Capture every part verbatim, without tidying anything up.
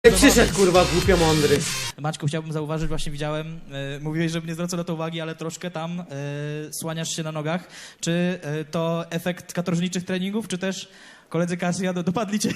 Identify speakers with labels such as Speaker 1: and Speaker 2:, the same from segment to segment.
Speaker 1: Przyszedł kurwa głupio mądry.
Speaker 2: Maćku, chciałbym zauważyć, właśnie widziałem, e, mówiłeś, żebym nie zwracał na to uwagi, ale troszkę tam e, słaniasz się na nogach. Czy e, to efekt katorżniczych treningów, czy też koledzy Casio do, dopadli cię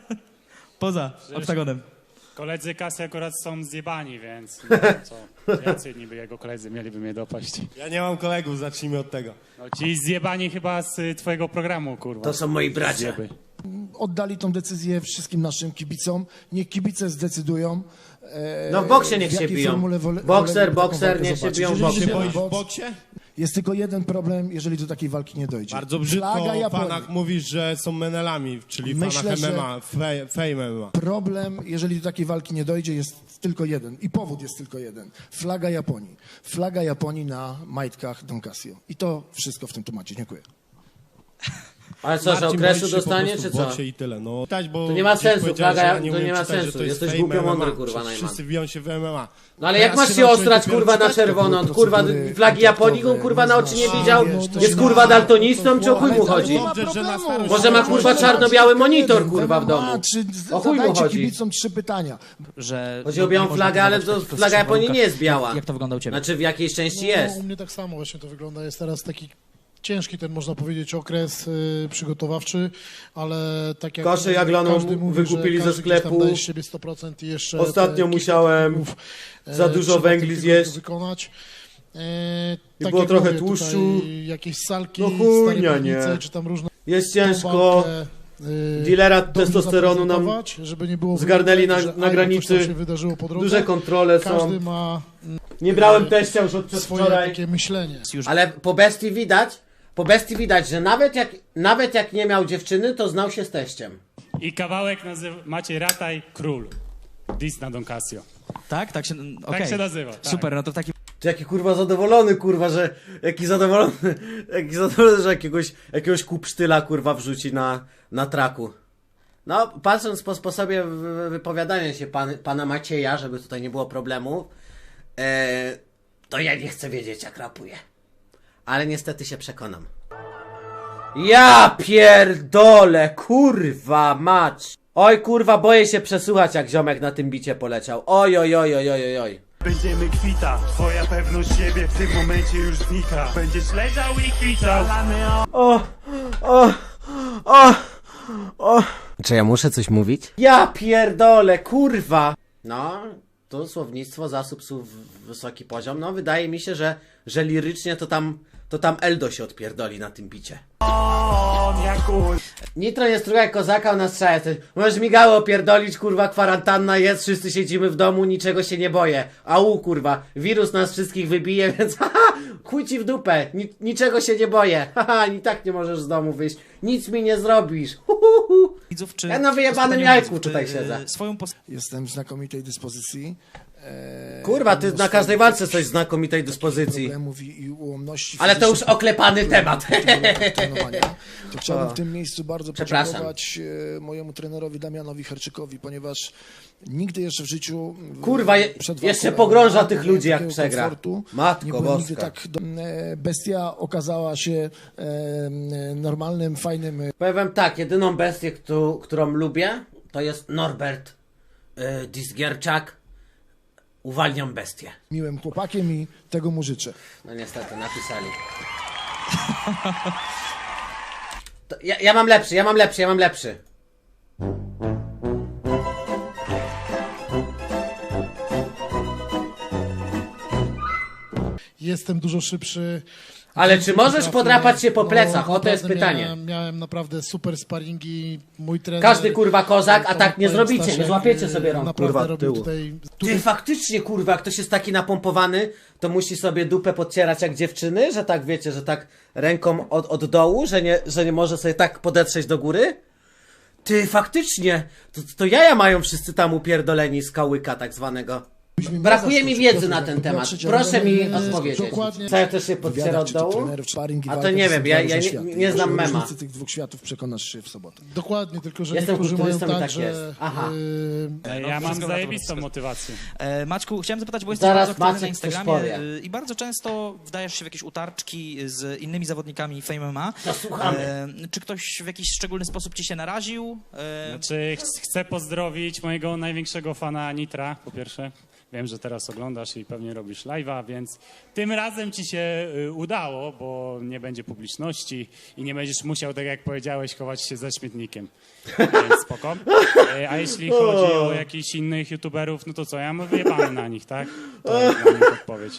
Speaker 2: poza
Speaker 3: Przecież
Speaker 2: oktagonem?
Speaker 3: Koledzy Casio akurat są zjebani, więc no, co, jacy niby jego koledzy mieliby mnie dopaść.
Speaker 4: Ja nie mam kolegów, zacznijmy od tego.
Speaker 3: No, ci zjebani chyba z y, twojego programu, kurwa.
Speaker 1: To są moi bracia.
Speaker 3: Zjeby.
Speaker 5: Oddali tą decyzję wszystkim naszym kibicom. Niech kibice zdecydują. E,
Speaker 1: No w boksie niech
Speaker 5: w
Speaker 1: się
Speaker 5: jakiej
Speaker 1: biją.
Speaker 5: formule wole-
Speaker 1: Bokser,
Speaker 5: woleliby taką
Speaker 1: bokser,
Speaker 5: walkę
Speaker 1: niech się
Speaker 5: zobaczyć.
Speaker 1: biją w
Speaker 5: Jeżeli
Speaker 1: boksie.
Speaker 5: się
Speaker 4: Boisz w
Speaker 5: boks-
Speaker 4: boksie?
Speaker 5: Jest tylko jeden problem, jeżeli do takiej walki nie dojdzie.
Speaker 4: Bardzo brzydko
Speaker 5: Flaga
Speaker 4: o
Speaker 5: Japonii.
Speaker 4: fanach mówisz, że są menelami, czyli
Speaker 5: Myślę,
Speaker 4: fanach
Speaker 5: że-
Speaker 4: M M A, fe- fame M M A.
Speaker 5: Problem, jeżeli do takiej walki nie dojdzie, jest tylko jeden. I powód jest tylko jeden. Flaga Japonii. Flaga Japonii na majtkach Don Casio. I to wszystko w tym temacie. Dziękuję.
Speaker 1: Ale co, że
Speaker 4: Marcin,
Speaker 1: okresu
Speaker 4: boisz się po
Speaker 1: dostanie,
Speaker 4: prostu
Speaker 1: czy
Speaker 4: w
Speaker 1: co?
Speaker 4: boksie i tyle. No, Czytać, bo
Speaker 1: To nie ma
Speaker 4: gdzieś
Speaker 1: sensu,
Speaker 4: powiedziałeś,
Speaker 1: Flaga,
Speaker 4: że ja
Speaker 1: to
Speaker 4: umiem
Speaker 1: nie ma
Speaker 4: czytać, że
Speaker 1: sensu.
Speaker 4: to jest
Speaker 1: Jesteś
Speaker 4: fame
Speaker 1: głupio
Speaker 4: M M A.
Speaker 1: mądry, kurwa,
Speaker 4: Przecież
Speaker 1: Najman.
Speaker 4: wszyscy biją się w M M A.
Speaker 1: No ale jak
Speaker 5: Teraz
Speaker 1: masz
Speaker 5: się
Speaker 1: się
Speaker 5: nauczyłem
Speaker 1: ostrać,
Speaker 5: dopiero
Speaker 1: kurwa, na
Speaker 5: czytać, to
Speaker 1: czerwono?
Speaker 5: były
Speaker 1: Kurwa,
Speaker 5: procedury
Speaker 1: flagi Japonii,
Speaker 5: kontaktowe,
Speaker 1: kurwa, na oczy nie
Speaker 5: znasz,
Speaker 1: widział?
Speaker 5: wiesz, to
Speaker 1: Jest
Speaker 5: się
Speaker 1: kurwa
Speaker 5: ma-
Speaker 1: daltonistą, czy o chuj mu
Speaker 5: Ale
Speaker 1: chodzi?
Speaker 5: nie ma
Speaker 4: Dobrze, że na
Speaker 5: problemu.
Speaker 4: starość
Speaker 1: Może ma,
Speaker 4: się
Speaker 1: kurwa,
Speaker 4: nauczyć.
Speaker 1: czarno-biały monitor,
Speaker 5: Jeden,
Speaker 1: kurwa, w domu.
Speaker 5: dwa, Czy
Speaker 1: O chuj mu
Speaker 5: zadajcie
Speaker 1: chodzi?
Speaker 5: kibicom trzy pytania.
Speaker 2: Że
Speaker 1: Chodzi o białą
Speaker 2: nie można
Speaker 1: flagę, ale
Speaker 2: próbować
Speaker 1: to
Speaker 2: takich
Speaker 1: flaga Japonii
Speaker 2: warunkach.
Speaker 1: nie jest biała.
Speaker 2: Jak, jak to wygląda u ciebie?
Speaker 1: Znaczy w jakiejś części
Speaker 6: No,
Speaker 1: jest.
Speaker 6: u mnie tak samo właśnie to wygląda. Jest teraz taki ciężki ten, można powiedzieć, okres y, przygotowawczy, ale tak jak
Speaker 1: Kaszę jaglaną
Speaker 6: każdy mówi,
Speaker 1: wykupili
Speaker 6: że
Speaker 1: ze
Speaker 6: każdy gdzieś tam
Speaker 1: sklepu.
Speaker 6: daje z siebie sto procent i jeszcze
Speaker 1: Ostatnio
Speaker 6: te kilka
Speaker 1: musiałem
Speaker 6: treningów, e,
Speaker 1: za dużo
Speaker 6: trzeba
Speaker 1: węgli
Speaker 6: tych tygodni
Speaker 1: zjeść.
Speaker 6: Wykonać. E,
Speaker 1: I
Speaker 6: tak
Speaker 1: było
Speaker 6: jak
Speaker 1: trochę
Speaker 6: mówię,
Speaker 1: tłuszczu.
Speaker 6: tutaj jakieś salki,
Speaker 1: No chujnia,
Speaker 6: stare piwnice,
Speaker 1: nie.
Speaker 6: czy tam różne
Speaker 1: Jest ciężko.
Speaker 6: walkę, y,
Speaker 1: Dealera
Speaker 6: dobrze
Speaker 1: testosteronu nam
Speaker 6: zaprezentować, żeby nie było
Speaker 1: zgarnęli na-
Speaker 6: wymówek, że
Speaker 1: na
Speaker 6: a,
Speaker 1: granicy.
Speaker 6: coś tam się wydarzyło po drodze.
Speaker 1: Duże kontrole
Speaker 6: Każdy
Speaker 1: są.
Speaker 6: ma
Speaker 1: Nie brałem teścia już od
Speaker 6: swoje
Speaker 1: przedwczoraj.
Speaker 6: takie myślenie.
Speaker 2: Już
Speaker 1: Ale po bestii widać, po bestii widać, że nawet jak, nawet jak nie miał dziewczyny, to znał się z teściem.
Speaker 3: I kawałek nazywa Maciej Rataj Król. Dis na Don Casio.
Speaker 2: Tak? Tak się, okej.
Speaker 3: się nazywa, tak.
Speaker 2: Super, no to w takim
Speaker 1: Ty jaki kurwa zadowolony, kurwa, że... Jaki zadowolony, jaki zadowolony, że jakiegoś, jakiegoś kupsztyla, kurwa, wrzuci na, na traku. No, patrząc po sposobie wy- wypowiadania się pan, pana Macieja, żeby tutaj nie było problemu, e, to ja nie chcę wiedzieć, jak rapuje. Ale niestety się przekonam. Ja pierdolę, kurwa mać. Oj, kurwa, boję się przesłuchać, jak ziomek na tym bicie poleciał. Oj, oj, oj, oj, oj, oj.
Speaker 7: Będziemy kwita, twoja pewność siebie w tym momencie już znika. Będziesz leżał i kwitał.
Speaker 1: O, o, o, o. Czy ja muszę coś mówić? Ja pierdolę, kurwa. No, to słownictwo, zasób słów, wysoki poziom. No, wydaje mi się, że, że lirycznie to tam, to tam Eldo się odpierdoli na tym bicie.
Speaker 7: On jak uj.
Speaker 1: Nitro nie struga jak kozaka na strzałę. Możesz migało opierdolić, kurwa, kwarantanna jest, wszyscy siedzimy w domu, niczego się nie boję. Au, kurwa, wirus nas wszystkich wybije, więc haha, chuj ci w dupę, Ni niczego się nie boję. Haha, i tak nie możesz z domu wyjść, nic mi nie zrobisz. Hu, hu, hu.
Speaker 2: widzów, czy...
Speaker 1: Ja na wyjebanym
Speaker 2: spotkaniu
Speaker 1: jajku
Speaker 2: widzów, czy,
Speaker 1: tutaj
Speaker 2: e,
Speaker 1: siedzę.
Speaker 2: Swoją post-
Speaker 5: Jestem w znakomitej dyspozycji. E,
Speaker 1: Kurwa, ty
Speaker 5: mimo
Speaker 1: na każdej
Speaker 5: swoich
Speaker 1: walce
Speaker 5: jakichś
Speaker 1: coś znakomitej dyspozycji.
Speaker 5: problemów i, i ułomności
Speaker 1: Ale to już
Speaker 5: fizycznych,
Speaker 1: oklepany temat.
Speaker 5: trenowania. To chciałbym
Speaker 1: O.
Speaker 5: w tym miejscu bardzo
Speaker 1: Przepraszam.
Speaker 5: podziękować e, mojemu trenerowi Damianowi Herczykowi, ponieważ nigdy jeszcze w życiu w-
Speaker 1: Kurwa, je-
Speaker 5: przed walką
Speaker 1: jeszcze
Speaker 5: M M A
Speaker 1: pogrąża
Speaker 5: nie
Speaker 1: tych
Speaker 5: miałem
Speaker 1: ludzi, jak
Speaker 5: takiego
Speaker 1: przegra.
Speaker 5: komfortu.
Speaker 1: Matko
Speaker 5: Nie byłem nigdy
Speaker 1: boska.
Speaker 5: tak do... e, Bestia okazała się e, e, normalnym, fajnym e,
Speaker 1: Powiem wam tak, jedyną bestię, któ którą lubię, to jest Norbert yy, Disgierczak. Uwalniam bestię.
Speaker 5: miłym chłopakiem i tego mu życzę.
Speaker 1: No niestety, napisali. To ja, ja mam lepszy, ja mam lepszy, ja mam lepszy.
Speaker 6: Jestem dużo szybszy.
Speaker 1: Ale czy możesz
Speaker 6: Potrafię-
Speaker 1: podrapać się po
Speaker 6: no,
Speaker 1: plecach? O, to jest
Speaker 6: naprawdę
Speaker 1: pytanie.
Speaker 6: Miałem, miałem naprawdę super sparingi. Mój trener...
Speaker 1: Każdy, kurwa, kozak, a
Speaker 6: pan-
Speaker 1: tak nie
Speaker 6: pan
Speaker 1: zrobicie, nie
Speaker 6: Staszek,
Speaker 1: złapiecie
Speaker 6: y,
Speaker 1: sobie rąk,
Speaker 6: naprawdę
Speaker 1: kurwa,
Speaker 6: robił
Speaker 1: tyłu.
Speaker 6: Tutaj,
Speaker 1: Ty
Speaker 6: tutaj
Speaker 1: faktycznie, kurwa, jak ktoś jest taki napompowany, to musi sobie dupę podcierać jak dziewczyny, że tak wiecie, że tak ręką od, od dołu, że nie, że nie może sobie tak podetrzeć do góry? Ty faktycznie, to, to jaja mają wszyscy tam upierdoleni z kałyka tak zwanego. Brakuje mi
Speaker 5: zaskoczył.
Speaker 1: wiedzy na
Speaker 5: Piotr,
Speaker 1: ten
Speaker 5: jak
Speaker 1: temat.
Speaker 5: popatrzeć,
Speaker 1: Proszę
Speaker 5: ale
Speaker 1: mi
Speaker 5: nie-
Speaker 1: odpowiedzieć.
Speaker 6: dokładnie.
Speaker 1: Co ja też się podciera
Speaker 5: wywiadach,
Speaker 1: od
Speaker 5: czy
Speaker 1: dołu?
Speaker 5: trenerów, sparring i
Speaker 1: A to
Speaker 5: walka
Speaker 1: nie
Speaker 5: są
Speaker 1: wiem,
Speaker 5: dwa
Speaker 1: ja-
Speaker 5: różne
Speaker 1: ja nie-
Speaker 5: światy.
Speaker 1: nie znam
Speaker 5: O
Speaker 1: mema.
Speaker 5: różnicy tych dwóch światów przekonasz się w sobotę.
Speaker 6: Dokładnie, tylko że
Speaker 1: Jestem
Speaker 6: niektórzy mają
Speaker 1: kulturystą i
Speaker 6: tak,
Speaker 1: tak jest.
Speaker 6: że...
Speaker 1: Aha.
Speaker 6: y,
Speaker 3: Ja mam
Speaker 2: wszystko na to
Speaker 3: zajebistą
Speaker 2: wszystko.
Speaker 3: motywację.
Speaker 2: E, Maćku, chciałem zapytać, bo jesteś
Speaker 1: Zaraz
Speaker 2: bardzo aktywny na
Speaker 1: Maciek coś
Speaker 2: Instagramie
Speaker 1: powie.
Speaker 2: e, i bardzo często wdajesz się w jakieś utarczki z innymi zawodnikami Fame M M A.
Speaker 1: To słuchamy.
Speaker 2: E, czy ktoś w jakiś szczególny sposób ci się naraził? E,
Speaker 3: Znaczy, ch- chcę pozdrowić mojego największego fana Nitra, po pierwsze. Wiem, że teraz oglądasz i pewnie robisz live'a, więc tym razem ci się y, udało, bo nie będzie publiczności i nie będziesz musiał, tak jak powiedziałeś, chować się za śmietnikiem. Więc spoko. Y, A jeśli chodzi o jakichś innych youtuberów, no to co, ja mam wyjebane na nich, tak? To jest dla mnie odpowiedź.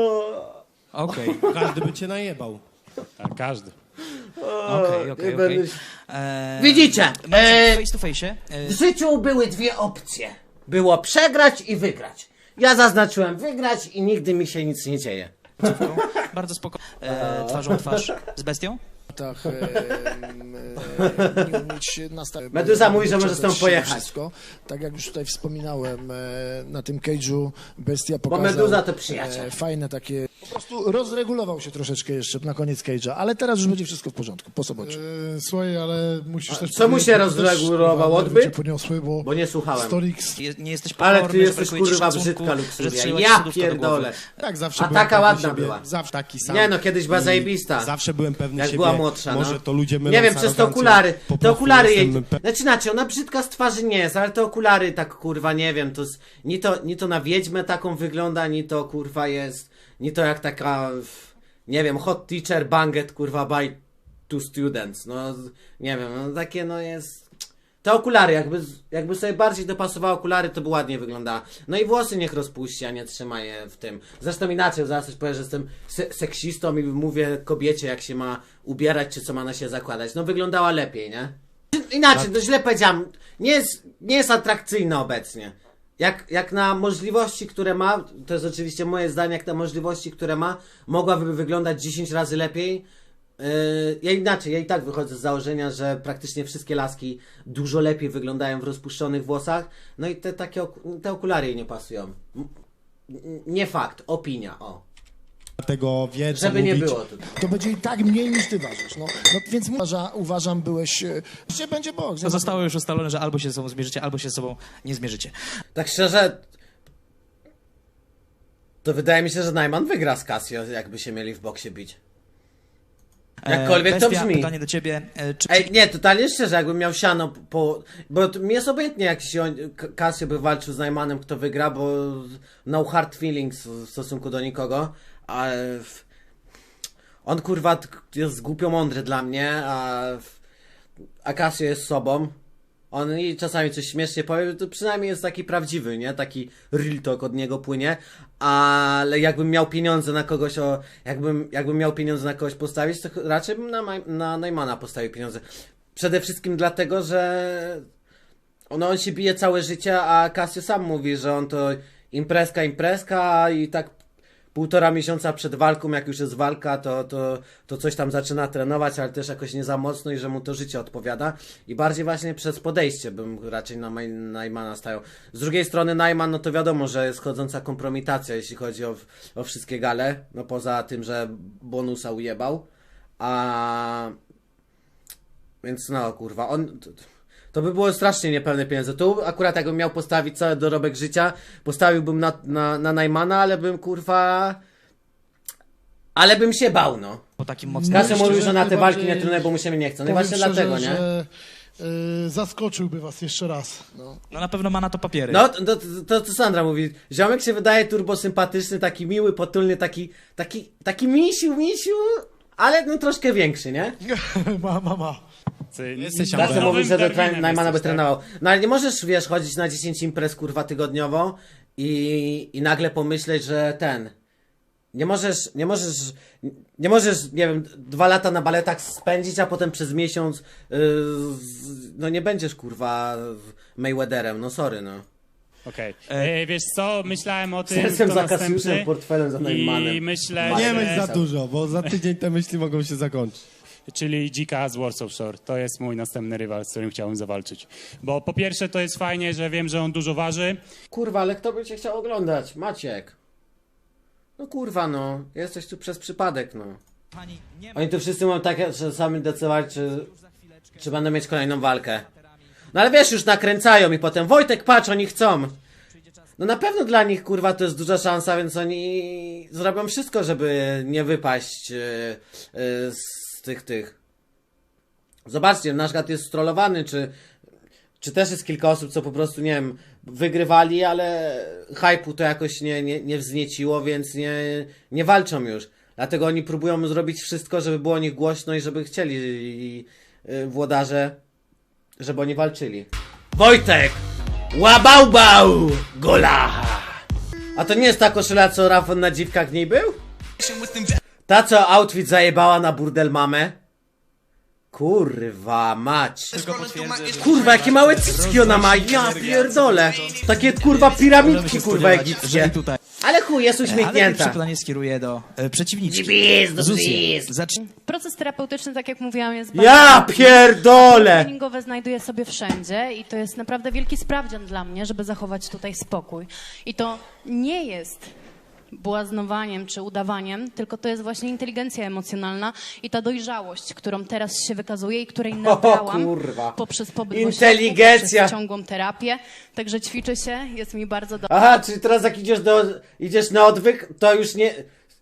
Speaker 2: Okej,
Speaker 4: Każdy by cię najebał.
Speaker 3: Tak, każdy.
Speaker 2: okej, okej,
Speaker 1: nie
Speaker 2: okej.
Speaker 1: będę-
Speaker 2: E,
Speaker 1: Widzicie,
Speaker 2: Maciek,
Speaker 1: e,
Speaker 2: face to face. E,
Speaker 1: W życiu były dwie opcje. Było przegrać i wygrać. Ja zaznaczyłem wygrać i nigdy mi się nic nie dzieje.
Speaker 2: bardzo spoko. E, twarzą w twarz z bestią?
Speaker 5: Tak, e, m, e, nie umieć nastawić.
Speaker 1: Meduza mówi, że może
Speaker 5: Wyprzedzać
Speaker 1: stąd pojechać.
Speaker 5: Wszystko. Tak jak już tutaj wspominałem, e, na tym cage'u Bestia
Speaker 1: Bo
Speaker 5: pokazał...
Speaker 1: Meduza to przyjaciel.
Speaker 5: e, Fajne takie... Po prostu rozregulował się troszeczkę jeszcze na koniec cage'a, ale teraz już będzie wszystko w porządku, po sobocie.
Speaker 6: y, Słuchaj, ale musisz też...
Speaker 1: co mu się
Speaker 6: powiedzieć, że też,
Speaker 1: rozregulował,
Speaker 6: kurwa, nerwy
Speaker 1: odbyt?
Speaker 6: cię poniosły, bo...
Speaker 1: Bo nie słuchałem.
Speaker 6: Storix...
Speaker 2: Je, nie jesteś
Speaker 1: Ale
Speaker 2: pokorny,
Speaker 1: ty
Speaker 2: że
Speaker 1: jesteś
Speaker 2: brakuje ci
Speaker 1: kurwa
Speaker 2: szacunku,
Speaker 1: brzydka
Speaker 2: że
Speaker 1: luksuria.
Speaker 2: strzeliła ci
Speaker 1: Ja
Speaker 2: sodówka do głowy.
Speaker 1: pierdolę.
Speaker 4: Tak, zawsze
Speaker 1: A
Speaker 4: byłem
Speaker 1: taka
Speaker 4: pewny
Speaker 1: ładna
Speaker 4: siebie,
Speaker 1: była.
Speaker 4: Zawsze taki sam.
Speaker 1: Nie no, kiedyś była
Speaker 4: I
Speaker 1: zajebista.
Speaker 4: Zawsze byłem pewny
Speaker 1: Jak
Speaker 4: siebie.
Speaker 1: była młodsza,
Speaker 4: Może
Speaker 1: no.
Speaker 4: to ludzie mylą
Speaker 1: Nie wiem,
Speaker 4: z
Speaker 1: przez te
Speaker 4: arogancją.
Speaker 1: okulary.
Speaker 4: Po
Speaker 1: Te
Speaker 4: prostu
Speaker 1: okulary jej...
Speaker 4: jestem pe-
Speaker 1: Znaczy inaczej, ona brzydka z twarzy nie jest, ale te okulary tak kurwa, nie wiem, to, z... ni, to ni to na wiedźmę taką wygląda, ni to kurwa jest, ni to jak taka, nie wiem, hot teacher banget kurwa by two students, no nie wiem, no takie no jest... Te okulary, jakby, jakby sobie bardziej dopasowała okulary, to by ładnie wyglądała. No i włosy niech rozpuści, a nie trzyma je w tym. Zresztą inaczej, zaraz coś powiem, że jestem se seksistą i mówię kobiecie, jak się ma ubierać, czy co ma na się zakładać. No wyglądała lepiej, nie? Inaczej, no źle powiedziałem. Nie jest, nie jest atrakcyjna obecnie. Jak, jak na możliwości, które ma, to jest oczywiście moje zdanie, jak na możliwości, które ma, mogłaby wyglądać dziesięć razy lepiej. Yy, ja inaczej, ja i tak wychodzę z założenia, że praktycznie wszystkie laski dużo lepiej wyglądają w rozpuszczonych włosach. No i te takie ok- te okulary jej nie pasują. M- n- Nie fakt, opinia, o.
Speaker 4: Dlatego wie, co
Speaker 1: Żeby nie
Speaker 4: mówić.
Speaker 1: było tutaj.
Speaker 5: To będzie i tak mniej niż ty ważysz. No, no więc uważa, uważam, byłeś... e, Że będzie boks.
Speaker 2: To zostało już ustalone, że albo się ze sobą zmierzycie, albo się ze sobą nie zmierzycie.
Speaker 1: Tak szczerze, to wydaje mi się, że Najman wygra z Casio, jakby się mieli w boksie bić. Jakkolwiek
Speaker 2: E,
Speaker 1: to
Speaker 2: Bestia,
Speaker 1: brzmi.
Speaker 2: pytanie do ciebie. E, czy
Speaker 1: Ej, nie, totalnie szczerze, jakbym miał siano po... Bo to mi jest obojętnie, jak się on- K- Casio by walczył z Najmanem, kto wygra, bo no hard feelings w stosunku do nikogo, ale... w- On kurwa t- jest głupio mądry dla mnie, a... w- A Casio jest sobą. On i czasami coś śmiesznie powie, to przynajmniej jest taki prawdziwy, nie? Taki real talk od niego płynie. Ale jakbym miał pieniądze na kogoś, o, jakbym, jakbym miał pieniądze na kogoś postawić, to ch- raczej bym na, Maj- na Najmana postawił pieniądze. Przede wszystkim dlatego, że no, on się bije całe życie, a Casio sam mówi, że on to imprezka, imprezka i tak półtora miesiąca przed walką, jak już jest walka, to, to, to coś tam zaczyna trenować, ale też jakoś nie za mocno i że mu to życie odpowiada. I bardziej właśnie przez podejście bym raczej na Maj- Najmana stają. Z drugiej strony Najman, no to wiadomo, że jest chodząca kompromitacja, jeśli chodzi o, o wszystkie gale, no poza tym, że bonusa ujebał. A... Więc no, kurwa, on... To by było strasznie niepełne pieniądze. Tu akurat jakbym miał postawić cały dorobek życia, postawiłbym na, na, na Najmana, ale bym kurwa... Ale bym się bał, no.
Speaker 2: po takim mocnym...
Speaker 1: Kasem
Speaker 6: Myślę,
Speaker 1: mówił,
Speaker 6: że
Speaker 1: że na te walki nie
Speaker 6: najbardziej-
Speaker 1: trenuję, bo mu się nie chce. No i
Speaker 6: Powiem
Speaker 1: właśnie
Speaker 6: szczerze,
Speaker 1: dlatego, nie?
Speaker 6: że y, zaskoczyłby was jeszcze raz.
Speaker 2: No na pewno ma na to papiery.
Speaker 1: No, to, to, to, to Sandra mówi. Ziomek się wydaje turbosympatyczny, taki miły, potulny, taki, taki, taki misiu, misiu, ale no troszkę większy, nie?
Speaker 6: ma, ma, ma.
Speaker 3: Ty,
Speaker 4: Jesteś
Speaker 3: nowym
Speaker 1: Kasem mówi, że do
Speaker 3: Darwinem
Speaker 1: tre- Najmana by
Speaker 3: jesteś, tak?
Speaker 1: trenował. No ale nie możesz, wiesz, chodzić na dziesięć imprez, kurwa, tygodniowo i, i nagle pomyśleć, że ten... Nie możesz, nie możesz, nie możesz, nie wiem, dwa lata na baletach spędzić, a potem przez miesiąc, yy, z- no nie będziesz, kurwa, Mayweatherem, no sorry, no.
Speaker 3: Okej. E, Wiesz co, myślałem o tym,
Speaker 1: Sercem
Speaker 3: kto
Speaker 1: za
Speaker 3: następny
Speaker 1: Kasiuszem, portfelem za Najmanem.
Speaker 3: i myślę,
Speaker 1: Nie
Speaker 4: Nie
Speaker 3: że...
Speaker 4: myśl za dużo, bo za tydzień te myśli mogą się zakończyć.
Speaker 3: czyli Dzika z Warsaw Shore. To jest mój następny rywal, z którym chciałbym zawalczyć. Bo po pierwsze to jest fajnie, że wiem, że on dużo waży.
Speaker 1: Kurwa, ale kto by cię chciał oglądać? Maciek. No kurwa, no. Jesteś tu przez przypadek, no.
Speaker 2: Pani nie ma
Speaker 1: Oni tu wszyscy mają takie, że sami decydować, czy, czy będą mieć kolejną walkę. No ale wiesz, już nakręcają i potem Wojtek, patrz, oni chcą. No na pewno dla nich, kurwa, to jest duża szansa, więc oni zrobią wszystko, żeby nie wypaść yy, yy, z tych, tych. Zobaczcie, nasz gad jest strollowany, czy, czy też jest kilka osób, co po prostu, nie wiem, wygrywali, ale hype'u to jakoś nie, nie, nie wznieciło, więc nie, nie walczą już. Dlatego oni próbują zrobić wszystko, żeby było o nich głośno i żeby chcieli i, y, włodarze, żeby oni walczyli. Wojtek! Łabałbał! Gola! A to nie jest ta koszula, co Rafon na dziwkach w niej był? Ta, co outfit zajebała na burdel mamę? Kurwa mać. Kurwa, jakie małe cycki ona ma, ja pierdolę. Takie kurwa piramidki, kurwa, egipskie.
Speaker 2: tutaj.
Speaker 1: Ale chuj, jest
Speaker 2: Ale pierwsze
Speaker 1: uśmiechnięta.
Speaker 2: pytanie skieruję do e, przeciwniczki.
Speaker 1: Gwizd,
Speaker 2: Zuzie,
Speaker 1: gwizd.
Speaker 2: zacz...
Speaker 8: Proces terapeutyczny, tak jak mówiłam, jest
Speaker 1: Ja pierdolę!
Speaker 8: treningowe znajduję sobie wszędzie i to jest naprawdę wielki sprawdzian dla mnie, żeby zachować tutaj spokój. I to nie jest błaznowaniem czy udawaniem, tylko to jest właśnie inteligencja emocjonalna i ta dojrzałość, którą teraz się wykazuje i której nabrałam
Speaker 1: kurwa.
Speaker 8: poprzez pobyt w
Speaker 1: Inteligencja.
Speaker 8: ośrodku, poprzez ciągłą terapię. Także ćwiczę się, jest mi bardzo dobrze.
Speaker 1: Aha, czyli teraz jak idziesz do, idziesz na odwyk, to już nie...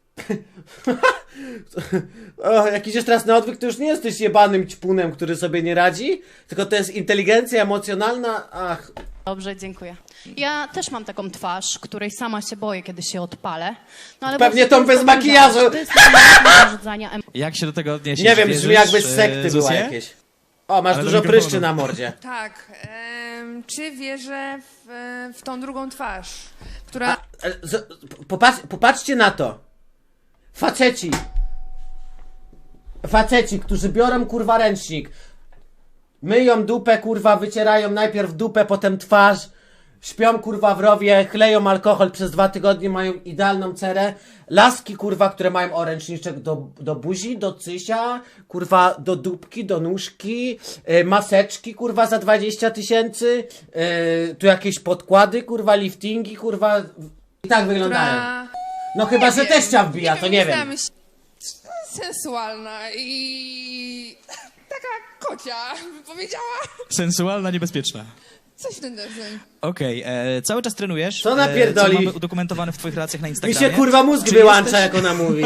Speaker 1: o, jak idziesz teraz na odwyk, to już nie jesteś jebanym ćpunem, który sobie nie radzi, tylko to jest inteligencja emocjonalna, ach...
Speaker 8: Dobrze, dziękuję. Ja też mam taką twarz, której sama się boję, kiedy się odpalę. No, ale
Speaker 1: Pewnie
Speaker 8: właśnie
Speaker 1: tą
Speaker 8: to jest
Speaker 1: bez
Speaker 8: ta
Speaker 1: makijażu.
Speaker 8: dojrzałość, To jest możliwość zarzucania emocji.
Speaker 2: Jak się do tego odniesiesz?
Speaker 1: Nie wiem,
Speaker 2: Wierzysz,
Speaker 1: brzmi jakby z
Speaker 2: e,
Speaker 1: sekty była
Speaker 2: Zuzie?
Speaker 1: jakieś. O, masz
Speaker 2: Ale do
Speaker 1: dużo
Speaker 2: mikrofonu.
Speaker 1: pryszczy na mordzie.
Speaker 9: Tak. em, czy wierzę w, e, w tą drugą twarz, która...
Speaker 1: E, z- Popatrz, popatrzcie na to. Faceci. Faceci, którzy biorą kurwa ręcznik. Myją dupę, kurwa, wycierają najpierw dupę, potem twarz. Śpią kurwa w rowie, chleją alkohol przez dwa tygodnie, mają idealną cerę. Laski kurwa, które mają oręczniczek do, do buzi, do cysia, kurwa do dupki, do nóżki, yy, maseczki kurwa za dwadzieścia tysięcy, yy, tu jakieś podkłady, kurwa liftingi, kurwa i tak wyglądają.
Speaker 9: która...
Speaker 1: No chyba, że
Speaker 9: wiem,
Speaker 1: teścia wbija, to nie wiem.
Speaker 9: znam się- Sensualna i taka kocia, by powiedziała.
Speaker 2: Sensualna, niebezpieczna.
Speaker 9: Coś w ten deseń.
Speaker 2: Okej, e, cały czas trenujesz.
Speaker 1: Co napierdoli?
Speaker 2: E, co mamy udokumentowane w twoich relacjach na
Speaker 1: Mi
Speaker 2: Instagramie.
Speaker 1: się kurwa mózg
Speaker 2: Czy
Speaker 1: wyłącza,
Speaker 2: jesteś-
Speaker 1: jak ona mówi.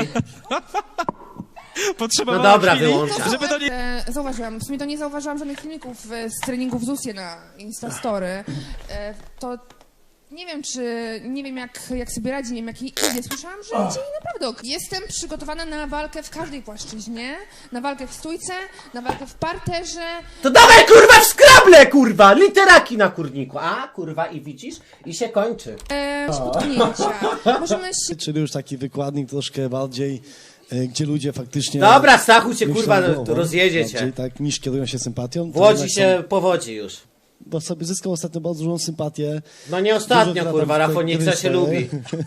Speaker 2: Potrzebowałem
Speaker 1: No dobra,
Speaker 2: chwili,
Speaker 1: wyłączam.
Speaker 2: żeby do niej...
Speaker 9: E, zauważyłam, w sumie to nie zauważyłam żadnych filmików e, z treningów Zusie na Instastory. E, to nie wiem, czy, nie wiem jak, jak sobie radzi, nie wiem jak jej idzie. Słyszałam, że idzie jej naprawdę ok. Jestem przygotowana na walkę w każdej płaszczyźnie, na walkę w stójce, na walkę w parterze.
Speaker 1: To dawaj kurwa w skrable, kurwa! Literaki na kurniku. A, kurwa, i widzisz? I się kończy.
Speaker 9: E, potknięcia. Możemy się
Speaker 4: Czyli już taki wykładnik troszkę bardziej, e, gdzie ludzie faktycznie...
Speaker 1: Dobra, Stachu cię
Speaker 4: myślą
Speaker 1: kurwa
Speaker 4: głową,
Speaker 1: rozjedzie cię.
Speaker 4: bardziej, tak, niż kierują się sympatią.
Speaker 1: W
Speaker 4: To
Speaker 1: Łodzi
Speaker 4: jednak
Speaker 1: się
Speaker 4: są-
Speaker 1: powodzi już.
Speaker 4: Bo sobie zyskał ostatnio bardzo dużą sympatię.
Speaker 1: No nie ostatnio,
Speaker 4: Dużo
Speaker 1: kurwa,
Speaker 4: lata w
Speaker 1: Rafoniksa
Speaker 4: tej
Speaker 1: się
Speaker 4: gry
Speaker 1: lubi.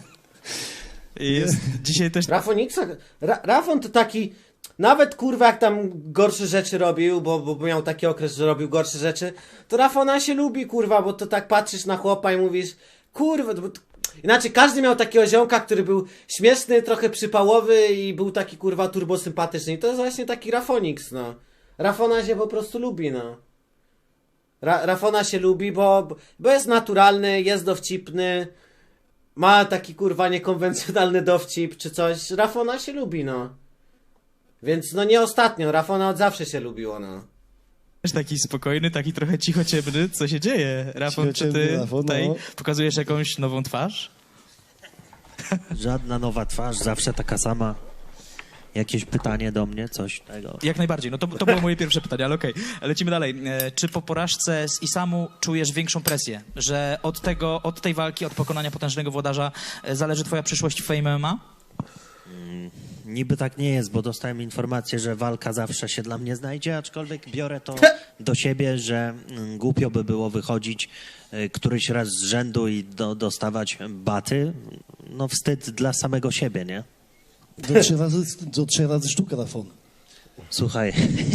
Speaker 2: Jest dzisiaj też...
Speaker 1: Rafoniksa, Ra, Rafon to taki, nawet kurwa jak tam gorsze rzeczy robił, bo, bo miał taki okres, że robił gorsze rzeczy, to Rafona się lubi, kurwa, bo to tak patrzysz na chłopa i mówisz, kurwa, bo to... Inaczej, każdy miał takiego ziomka, który był śmieszny, trochę przypałowy i był taki kurwa turbosympatyczny i to jest właśnie taki Rafoniks, no. Rafona się po prostu lubi, no. Ra Rafona się lubi, bo, bo jest naturalny, jest dowcipny, ma taki kurwa niekonwencjonalny dowcip czy coś. Rafona się lubi, no. Więc no nie ostatnio, Rafona od zawsze się lubiło, no.
Speaker 2: Też taki spokojny, taki trochę cichociemny. Co się dzieje, Rafon? Czy ty
Speaker 4: Cichociemny Rafon,
Speaker 2: tutaj
Speaker 4: no.
Speaker 2: pokazujesz jakąś nową twarz?
Speaker 10: Żadna nowa twarz, zawsze taka sama. Jakieś pytanie do mnie, coś tego.
Speaker 2: Jak najbardziej. No to, to było moje pierwsze pytanie, ale okej. Lecimy dalej. E, czy po porażce z Isamu czujesz większą presję? Że od tego, od tej walki, od pokonania potężnego włodarza e, zależy twoja przyszłość w Fame M M A?
Speaker 10: Niby tak nie jest, bo dostałem informację, że walka zawsze się dla mnie znajdzie, aczkolwiek biorę to do siebie, że mm, głupio by było wychodzić y, któryś raz z rzędu i do, dostawać baty. No wstyd dla samego siebie, nie?
Speaker 4: Do trzy razy, do trzy razy sztuka Rafon.
Speaker 10: Słuchaj,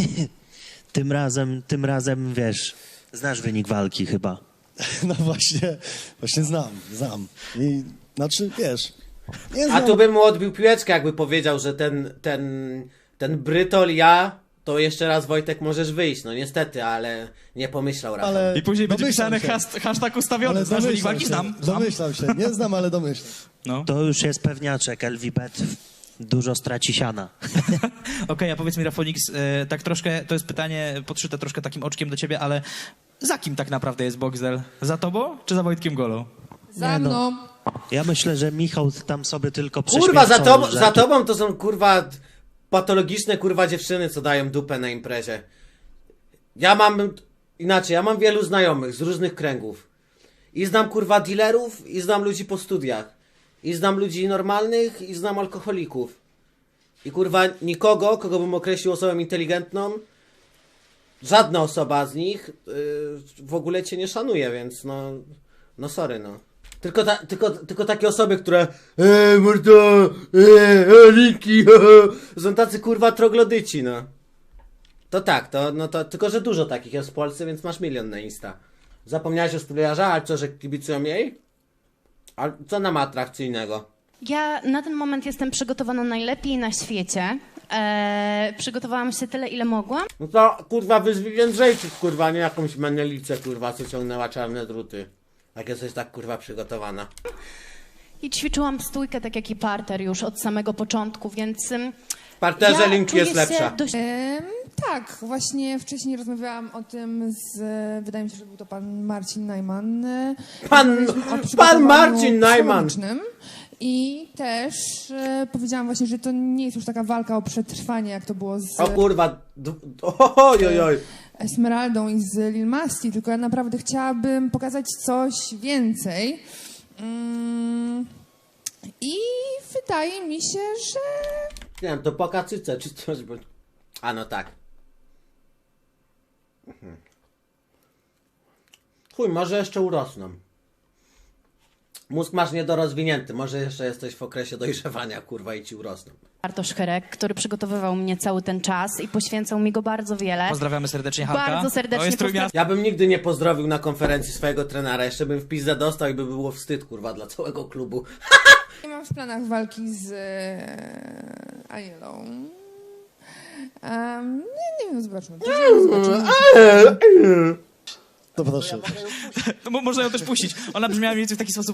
Speaker 10: tym razem, tym razem, wiesz, znasz wynik walki chyba.
Speaker 4: No właśnie, właśnie znam, znam. I, znaczy, wiesz, nie
Speaker 1: A
Speaker 4: znam.
Speaker 1: tu bym mu odbił piłeczkę, jakby powiedział, że ten, ten, ten Brytol, ja, to jeszcze raz Wojtek możesz wyjść. No niestety, ale nie pomyślał Rafał.
Speaker 4: Ale
Speaker 2: I później będzie
Speaker 4: domyślam
Speaker 2: pisane
Speaker 4: się.
Speaker 2: hasht- hashtag ustawiony.
Speaker 4: Ale
Speaker 2: Znasz wynik
Speaker 4: domyślam
Speaker 2: walki?
Speaker 4: się,
Speaker 2: Znam. znam.
Speaker 4: domyślam się, nie znam, ale domyślam.
Speaker 2: No.
Speaker 10: To już jest pewniaczek, L V Bet dużo straci siana.
Speaker 2: Okej, a powiedz mi, Rafonix, e, tak troszkę, to jest pytanie podszyte troszkę takim oczkiem do ciebie, ale za kim tak naprawdę jest Boxdel? Za tobą, czy za Wojtkiem Golą?
Speaker 9: Za
Speaker 4: Nie, no.
Speaker 9: mną.
Speaker 10: Ja myślę, że Michał tam sobie tylko
Speaker 1: Kurwa, za,
Speaker 10: prześmiercał,
Speaker 1: to,
Speaker 10: że-
Speaker 1: za tobą to są kurwa patologiczne kurwa dziewczyny, co dają dupę na imprezie. Ja mam inaczej, ja mam wielu znajomych z różnych kręgów. I znam kurwa dealerów, i znam ludzi po studiach. I znam ludzi normalnych, i znam alkoholików. I kurwa nikogo, kogo bym określił osobą inteligentną, żadna osoba z nich yy, w ogóle cię nie szanuje, więc no, no sorry no. Tylko, ta, tylko, tylko takie osoby, które eee, mordo, eee, linki, są tacy kurwa troglodyci, no. To tak, to, no to, tylko że dużo takich jest w Polsce, więc masz milion na Insta. Zapomniałeś o studiarza, ale co, że kibicują jej? A co nam atrakcyjnego?
Speaker 8: Ja na ten moment jestem przygotowana najlepiej na świecie. Eee, przygotowałam się tyle, ile mogłam.
Speaker 1: No to kurwa wyzwij Jędrzejczyk, kurwa, nie jakąś manielicę, kurwa, co ciągnęła czarne druty. Jak jesteś tak kurwa przygotowana.
Speaker 8: I ćwiczyłam stójkę, tak jak i parter już od samego początku, więc... ym,
Speaker 1: W parterze
Speaker 8: ja
Speaker 1: linki jest
Speaker 8: czuję się
Speaker 1: lepsza.
Speaker 8: dość
Speaker 9: Em, tak, właśnie wcześniej rozmawiałam o tym z, wydaje mi się, że był to pan Marcin Najman. e,
Speaker 1: Pan-
Speaker 9: rozmawialiśmy o
Speaker 1: pan
Speaker 9: przygotowaniu
Speaker 1: Marcin Najman.
Speaker 9: psychologicznym. I też e, powiedziałam właśnie, że to nie jest już taka walka o przetrwanie, jak to było z
Speaker 1: O kurwa, d- oj, oj, oj.
Speaker 9: Esmeraldą i z Lil Masti, tylko ja naprawdę chciałabym pokazać coś więcej. Mm, I wydaje mi się, że
Speaker 1: Nie wiem, to pokacyce czy coś, bo... A no tak. Mhm. Chuj, może jeszcze urosną. Mózg masz niedorozwinięty, może jeszcze jesteś w okresie dojrzewania, kurwa, i ci urosną.
Speaker 8: Bartosz Herek, który przygotowywał mnie cały ten czas i poświęcał mi go bardzo wiele.
Speaker 2: Pozdrawiamy serdecznie Halka.
Speaker 8: Bardzo serdecznie
Speaker 2: To jest Trójmiasto.
Speaker 1: Ja bym nigdy nie pozdrowił na konferencji swojego trenera, jeszcze bym w pizdę dostał i by było wstyd, kurwa, dla całego klubu.
Speaker 9: nie mam w planach walki z e, Anielą. Um, nie, nie wiem, zobaczmy. zobaczymy.
Speaker 4: To proszę.
Speaker 2: No, mo- można ją też puścić. Ona brzmiała mniej więcej w taki sposób.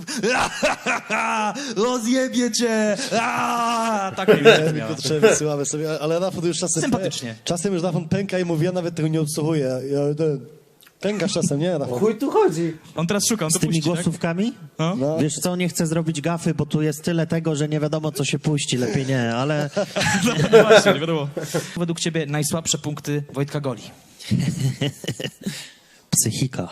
Speaker 2: Rozjebie cię! Aaa! Tak mniej więcej brzmiała.
Speaker 4: Piotrze, wysyłamy sobie, ale Rafał już czasem...
Speaker 2: Sympatycznie.
Speaker 4: Czasem już Rafał pęka i mówi, ja nawet tego nie odsłuchuję. Ja, ten, pękasz czasem, nie Rafał?
Speaker 1: Chuj tu chodzi.
Speaker 2: On teraz szuka, on to
Speaker 10: Z tymi
Speaker 2: puści, tak?
Speaker 10: głosówkami?
Speaker 2: No.
Speaker 4: No.
Speaker 10: Wiesz co, nie chcę zrobić gafy, bo tu jest tyle tego, że nie wiadomo, co się puści. Lepiej nie, ale
Speaker 2: No właśnie, nie wiadomo. Według ciebie najsłabsze punkty Wojtka Goli.
Speaker 10: psychika.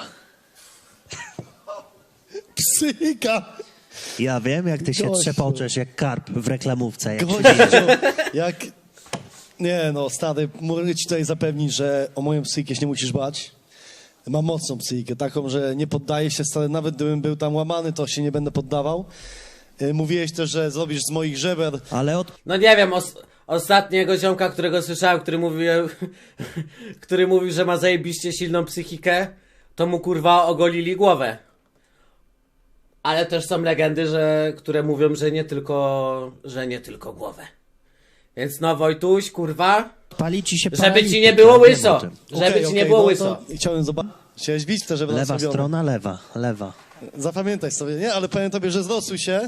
Speaker 4: Psychika!
Speaker 10: Ja wiem, jak ty się
Speaker 4: Gościu.
Speaker 10: trzepoczesz jak karp w reklamówce. Jak się
Speaker 4: Gościu, jak... Nie no, stary, mogę ci tutaj zapewnić, że o moją psychikę się nie musisz bać. Mam mocną psychikę, taką, że nie poddaję się, stary, nawet gdybym był tam łamany, to się nie będę poddawał. Y, Mówiłeś też, że zrobisz z moich żeber.
Speaker 10: Ale od...
Speaker 1: No nie wiem, os ostatniego ziomka, którego słyszałem, który mówił, który mówił, że ma zajebiście silną psychikę, to mu kurwa ogolili głowę. Ale też są legendy, że, które mówią, że nie tylko, że nie tylko głowę. Więc no Wojtuś, kurwa,
Speaker 10: Pali ci się
Speaker 1: żeby
Speaker 10: paralityk,
Speaker 1: ci nie było
Speaker 10: ja wiem
Speaker 1: łyso.
Speaker 10: o tym.
Speaker 1: Żeby
Speaker 4: Okej,
Speaker 1: ci
Speaker 4: okej,
Speaker 1: nie było
Speaker 4: no
Speaker 1: łyso.
Speaker 4: to chciałem zobaczyć. Chciałeś bić te żebra
Speaker 10: Lewa
Speaker 4: zrobione.
Speaker 10: strona, lewa, lewa.
Speaker 4: Zapamiętaj sobie, nie? Ale powiem tobie, że zrosuj się.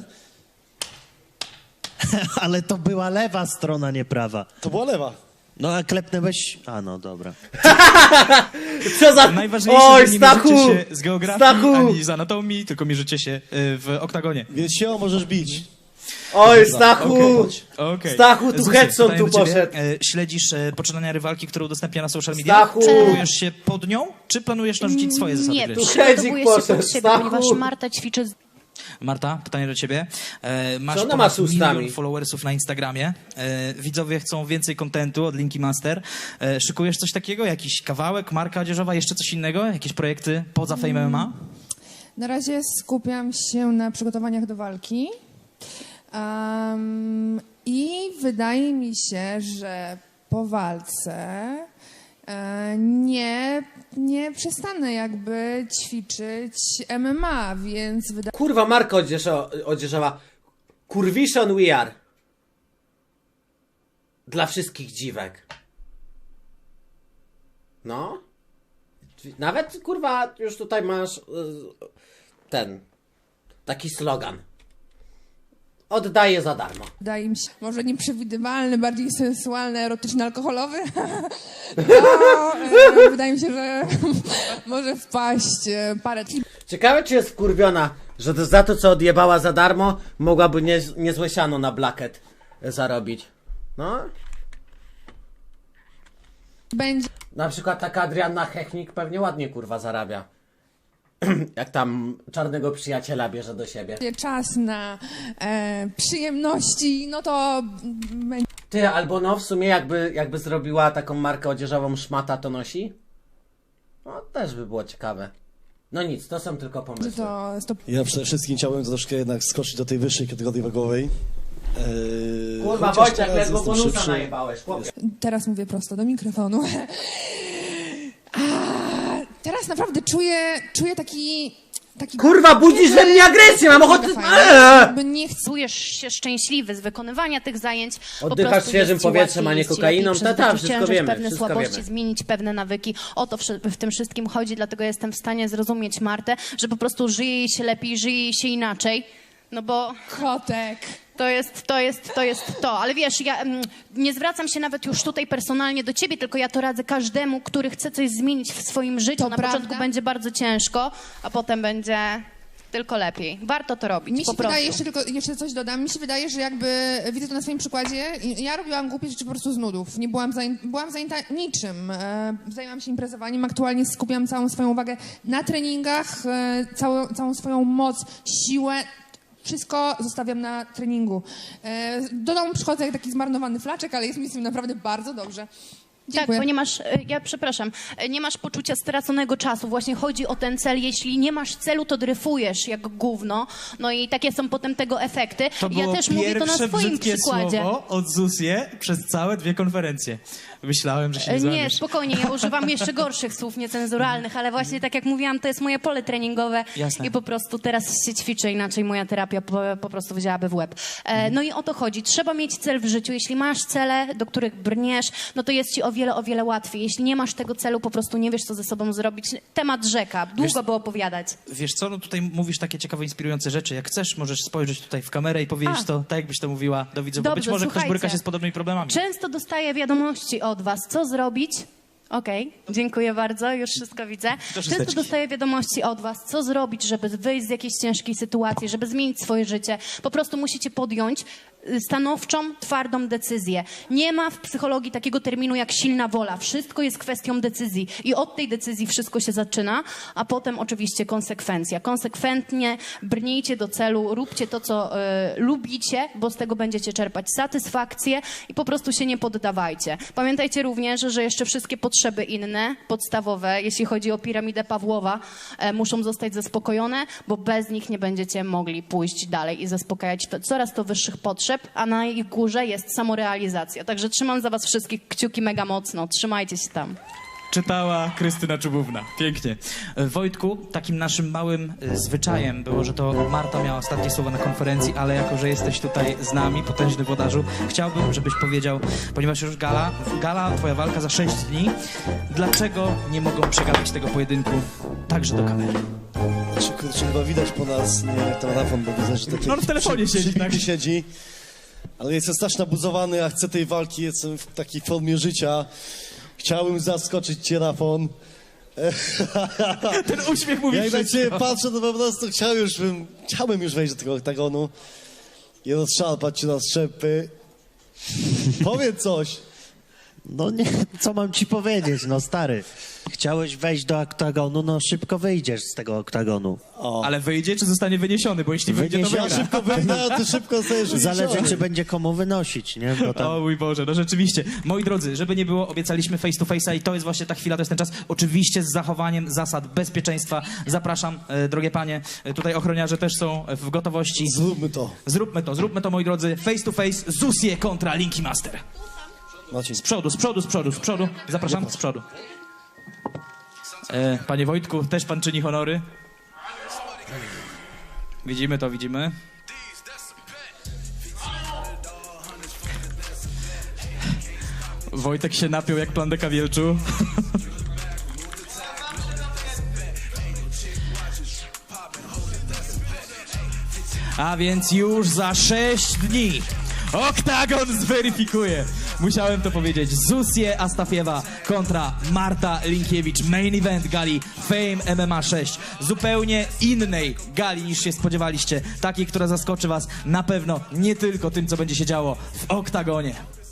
Speaker 10: Ale to była lewa strona, nie prawa.
Speaker 4: To była lewa.
Speaker 10: No a klepnęłeś... A no, dobra.
Speaker 1: Co za...
Speaker 2: Najważniejsze,
Speaker 1: Oj,
Speaker 2: że nie
Speaker 1: Stachu!
Speaker 2: mierzycie się z geografii
Speaker 1: Stachu!
Speaker 2: ani z anatomii, tylko mierzycie się y, w oktagonie.
Speaker 4: Więc się możesz bić.
Speaker 1: Oj, Stachu!
Speaker 2: Okej.
Speaker 1: Stachu, tu
Speaker 2: Zuzie,
Speaker 1: Hedson
Speaker 2: pytanie
Speaker 1: tu
Speaker 2: do ciebie.
Speaker 1: poszedł.
Speaker 2: E, Śledzisz e, poczynania rywalki, którą udostępnia na social media?
Speaker 1: Stachu!
Speaker 2: Przygotowujesz się pod nią, czy planujesz narzucić swoje zasady
Speaker 8: Nie,
Speaker 2: gry?
Speaker 1: Tu
Speaker 8: przygotowuję się
Speaker 1: poszedł,
Speaker 8: pod siebie,
Speaker 1: Stachu.
Speaker 8: ponieważ Marta ćwiczy z
Speaker 2: Marta, pytanie do ciebie. E, masz
Speaker 1: Co ona
Speaker 2: ponad
Speaker 1: ma z ustami?
Speaker 2: milion followersów na Instagramie. E, widzowie chcą więcej kontentu od Linki Master. E, szykujesz coś takiego? Jakiś kawałek, marka odzieżowa, jeszcze coś innego? Jakieś projekty poza Fame M M A?
Speaker 9: Na razie skupiam się na przygotowaniach do walki. Um, I wydaje mi się, że po walce e, nie, nie przestanę jakby ćwiczyć M M A, więc wydaje
Speaker 1: Kurwa, Marko odzieżo- odzieżowa. Kurwiszon we are. Dla wszystkich dziwek. No. Nawet, kurwa, już tutaj masz y, ten, taki slogan. Oddaję za darmo.
Speaker 9: Wydaje mi się, może nieprzewidywalny, bardziej sensualny, erotyczny, alkoholowy. To, e, wydaje mi się, że może wpaść e, parę.
Speaker 1: Ciekawe, czy jest wkurwiona, że to za to, co odjebała za darmo, mogłaby nie, niezłe siano na blaket zarobić. No.
Speaker 9: Będzie
Speaker 1: Na przykład taka Adrianna Hechnik pewnie ładnie, kurwa, zarabia. Jak tam czarnego przyjaciela bierze do siebie.
Speaker 9: czas na e, przyjemności, no to będzie.
Speaker 1: Ty, albo no w sumie jakby, jakby zrobiła taką markę odzieżową Szmata to nosi? No też by było ciekawe. No nic, to są tylko pomysły.
Speaker 9: To, to
Speaker 4: Ja przede wszystkim chciałbym troszkę jednak skoczyć do tej wyższej kategorii wagowej. Eee,
Speaker 1: Kurwa,
Speaker 4: chociaż
Speaker 1: Wojciech,
Speaker 4: teraz
Speaker 1: ledwo
Speaker 4: jestem
Speaker 1: bonusa
Speaker 4: szybszy.
Speaker 1: najebałeś, chłopie.
Speaker 9: teraz mówię prosto do mikrofonu. A, teraz naprawdę czuję, czuję taki. taki
Speaker 1: Kurwa, budzisz we mnie agresję, mam ochotę...
Speaker 9: Fajnie.
Speaker 1: Eee!
Speaker 9: Jakby nie chcę.
Speaker 8: Czujesz się szczęśliwy z wykonywania tych zajęć. Po
Speaker 1: Oddychasz
Speaker 8: prostu
Speaker 1: świeżym
Speaker 8: jest ci
Speaker 1: powietrzem,
Speaker 8: łatwiej,
Speaker 1: a nie
Speaker 8: jest ci
Speaker 1: kokainą.
Speaker 8: lepiej
Speaker 1: Ta, ta,
Speaker 8: przezwyciężyć
Speaker 1: wszystko wiemy,
Speaker 8: pewne
Speaker 1: wszystko
Speaker 8: słabości,
Speaker 1: wiemy.
Speaker 8: zmienić pewne nawyki. O to wszy- w tym wszystkim chodzi, dlatego jestem w stanie zrozumieć Martę, że po prostu żyje jej się lepiej, żyje jej się inaczej. No bo
Speaker 9: Kotek.
Speaker 8: to jest, to jest, to jest to. Ale wiesz, ja mm, nie zwracam się nawet już tutaj personalnie do ciebie, tylko ja to radzę każdemu, który chce coś zmienić w swoim życiu.
Speaker 9: To
Speaker 8: Na
Speaker 9: prawda.
Speaker 8: początku będzie bardzo ciężko, a potem będzie tylko lepiej. Warto to robić,
Speaker 9: Mi się
Speaker 8: po prostu.
Speaker 9: wydaje, jeszcze tylko jeszcze coś dodam, mi się wydaje, że jakby widzę to na swoim przykładzie, ja robiłam głupie rzeczy po prostu z nudów. Nie byłam, zain, byłam zajęta niczym. E, zajęłam się imprezowaniem, aktualnie skupiam całą swoją uwagę na treningach, e, całą, całą swoją moc, siłę. Wszystko zostawiam na treningu. E, do domu przychodzę jak taki zmarnowany flaczek, ale jest mi z tym naprawdę bardzo dobrze.
Speaker 8: Tak,
Speaker 9: Dziękuję.
Speaker 8: bo nie masz, e, ja przepraszam, e, nie masz poczucia straconego czasu. Właśnie chodzi o ten cel. Jeśli nie masz celu, to dryfujesz jak gówno. No i takie są potem tego efekty.
Speaker 2: To było
Speaker 8: ja też mówię to na
Speaker 2: pierwsze
Speaker 8: swoim
Speaker 2: brzydkie
Speaker 8: przykładzie.
Speaker 2: słowo od Zusie przez całe dwie konferencje. Myślałem, że się nie
Speaker 8: E, Nie,
Speaker 2: złamiesz.
Speaker 8: spokojnie, ja używam jeszcze gorszych słów niecenzuralnych, ale właśnie tak jak mówiłam, to jest moje pole treningowe
Speaker 2: Jasne.
Speaker 8: i po prostu teraz się ćwiczę, inaczej moja terapia po, po prostu wzięłaby w łeb. E, no i o to chodzi. Trzeba mieć cel w życiu. Jeśli masz cele, do których brniesz, no to jest ci o wiele, o wiele łatwiej. Jeśli nie masz tego celu, po prostu nie wiesz, co ze sobą zrobić. Temat rzeka. Długo
Speaker 2: Wiesz-
Speaker 8: by opowiadać.
Speaker 2: Wiesz co, no tutaj mówisz takie ciekawe, inspirujące rzeczy. Jak chcesz, możesz spojrzeć tutaj w kamerę i powiedzieć
Speaker 8: A.
Speaker 2: to tak, jakbyś to mówiła do widzów. Bo
Speaker 8: Dobrze,
Speaker 2: być może ktoś
Speaker 8: słuchajcie.
Speaker 2: boryka się z podobnymi problemami.
Speaker 8: Często dostaję wiadomości od was, co zrobić. Okej, dziękuję bardzo, już wszystko widzę. Często
Speaker 2: szósteczki.
Speaker 8: dostaję wiadomości od was, co zrobić, żeby wyjść z jakiejś ciężkiej sytuacji, żeby zmienić swoje życie. Po prostu musicie podjąć y, stanowczą, twardą decyzję. Nie ma w psychologii takiego terminu jak silna wola. Wszystko jest kwestią decyzji i od tej decyzji wszystko się zaczyna, a potem oczywiście konsekwencja. Konsekwentnie brnijcie do celu, róbcie to, co y, lubicie, bo z tego będziecie czerpać satysfakcję i po prostu się nie poddawajcie. Pamiętajcie również, że jeszcze wszystkie potrzeby inne, podstawowe, jeśli chodzi o piramidę Pawłowa, e, muszą zostać zaspokojone, bo bez nich nie będziecie mogli pójść dalej i zaspokajać to, coraz to wyższych potrzeb, a na ich górze jest samorealizacja. Także trzymam za was wszystkich kciuki mega mocno. Trzymajcie się tam.
Speaker 2: Czytała Krystyna Czubówna. Pięknie. E, Wojtku, takim naszym małym e, zwyczajem było, że to Marta miała ostatnie słowo na konferencji, ale jako, że jesteś tutaj z nami, potężny włodarzu, chciałbym, żebyś powiedział, ponieważ już gala, gala, twoja walka za sześć dni, dlaczego nie mogą przegapić tego pojedynku także do kamery?
Speaker 4: Znaczy, kurczę, chyba widać po nas, nie wiem jak tam Rafon, bo widzę, że taki
Speaker 2: No, w telefonie
Speaker 4: przy,
Speaker 2: siedzi,
Speaker 4: przy,
Speaker 2: tak.
Speaker 4: siedzi. Ale jestem strasznie nabuzowany, a chcę tej walki, jestem w takiej formie życia. Chciałbym zaskoczyć cię, Rafon.
Speaker 2: Ten uśmiech mówi
Speaker 4: Jak na
Speaker 2: wszystko.
Speaker 4: ciebie patrzę, to po prostu chciałem już, bym, chciałbym już wejść do tego oktagonu i rozszarpać cię na strzępy. Powiedz coś.
Speaker 10: No nie, co mam ci powiedzieć, no stary. Chciałeś wejść do oktagonu, no szybko wyjdziesz z tego oktagonu.
Speaker 4: O.
Speaker 2: Ale wyjdzie, czy zostanie wyniesiony? Bo jeśli wyjdzie, to
Speaker 10: Wyniesie-
Speaker 4: Ja
Speaker 2: wygra.
Speaker 4: szybko wyjdę, a ty szybko sobie
Speaker 10: Zależy, czy będzie komu wynosić, nie? Bo tam...
Speaker 2: O mój Boże, no rzeczywiście. Moi drodzy, żeby nie było, obiecaliśmy face to face'a i to jest właśnie ta chwila, to jest ten czas. Oczywiście z zachowaniem zasad bezpieczeństwa. Zapraszam, e, drogie panie. E, tutaj ochroniarze też są w gotowości.
Speaker 4: Zróbmy to.
Speaker 2: Zróbmy to, zróbmy to, moi drodzy. Face to face, Zusie kontra Linky Master.
Speaker 4: Marcin.
Speaker 2: Z przodu, z przodu, z przodu, z przodu. Zapraszam, z przodu. E, panie Wojtku, też pan czyni honory? Widzimy to, widzimy. Wojtek się napiął jak plandeka wielczu. A więc już za sześć dni Oktagon zweryfikuje. Musiałem to powiedzieć. Zusie Astafiewa kontra Marta Linkiewicz. Main event gali Fame M M A sześć. Zupełnie innej gali niż się spodziewaliście. Takiej, która zaskoczy was na pewno nie tylko tym, co będzie się działo w Oktagonie.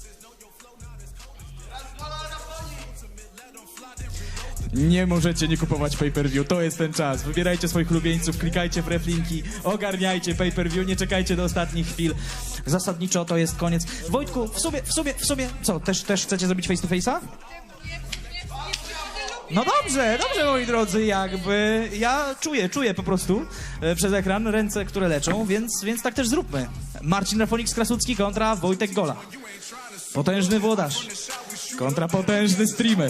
Speaker 2: Nie możecie nie kupować pay-per-view, to jest ten czas. Wybierajcie swoich ulubieńców, klikajcie w reflinki, ogarniajcie pay-per-view, nie czekajcie do ostatnich chwil. Zasadniczo to jest koniec. Wojtku, w sumie, w sumie, w sumie, co, też, też chcecie zrobić face to face'a? No dobrze, dobrze moi drodzy, jakby ja czuję, czuję po prostu e, przez ekran ręce, które leczą, więc, więc tak też zróbmy. Marcin Rafonix-Krasucki kontra Wojtek Gola. Potężny włodarz kontra potężny streamer.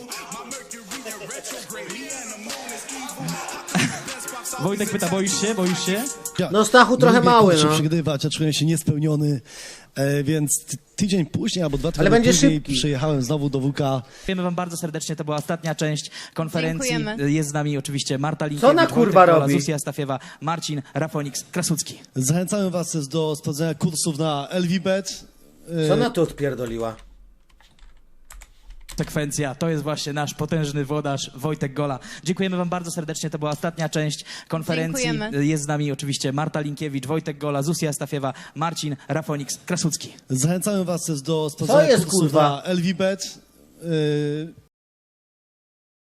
Speaker 2: Wojtek pyta, boisz się, boisz się?
Speaker 4: Ja
Speaker 1: No Stachu
Speaker 4: nie
Speaker 1: trochę
Speaker 4: lubię
Speaker 1: mały,
Speaker 4: kurczę
Speaker 1: no.
Speaker 4: przegrywać, ja czuję się niespełniony, e, więc ty, tydzień później albo dwa tygodnie
Speaker 1: będzie
Speaker 4: później
Speaker 1: szybki.
Speaker 4: przyjechałem znowu do W K.
Speaker 2: Dziękujemy wam bardzo serdecznie, to była ostatnia część konferencji.
Speaker 8: Dziękujemy.
Speaker 2: Jest z nami oczywiście Marta Linkiewicz,
Speaker 1: ona, kurwa,
Speaker 2: Wojtek Gola,
Speaker 1: robi?
Speaker 2: Zuzia Astafiewa, Marcin Rafonix-Krasucki.
Speaker 4: Zachęcamy was też do sprawdzenia kursów na L V Bet. E,
Speaker 1: Co ona tu odpierdoliła?
Speaker 2: Sekwencja, to jest właśnie nasz potężny włodarz Wojtek Gola. Dziękujemy wam bardzo serdecznie, to była ostatnia część konferencji.
Speaker 8: Dziękujemy.
Speaker 2: Jest z nami oczywiście Marta Linkiewicz, Wojtek Gola, Zuzia Astafiewa, Marcin Rafonix-Krasucki.
Speaker 4: Zachęcamy was też do sprawdzenia
Speaker 1: jest,
Speaker 4: kursów
Speaker 1: kurwa?
Speaker 4: na L V Bet. E,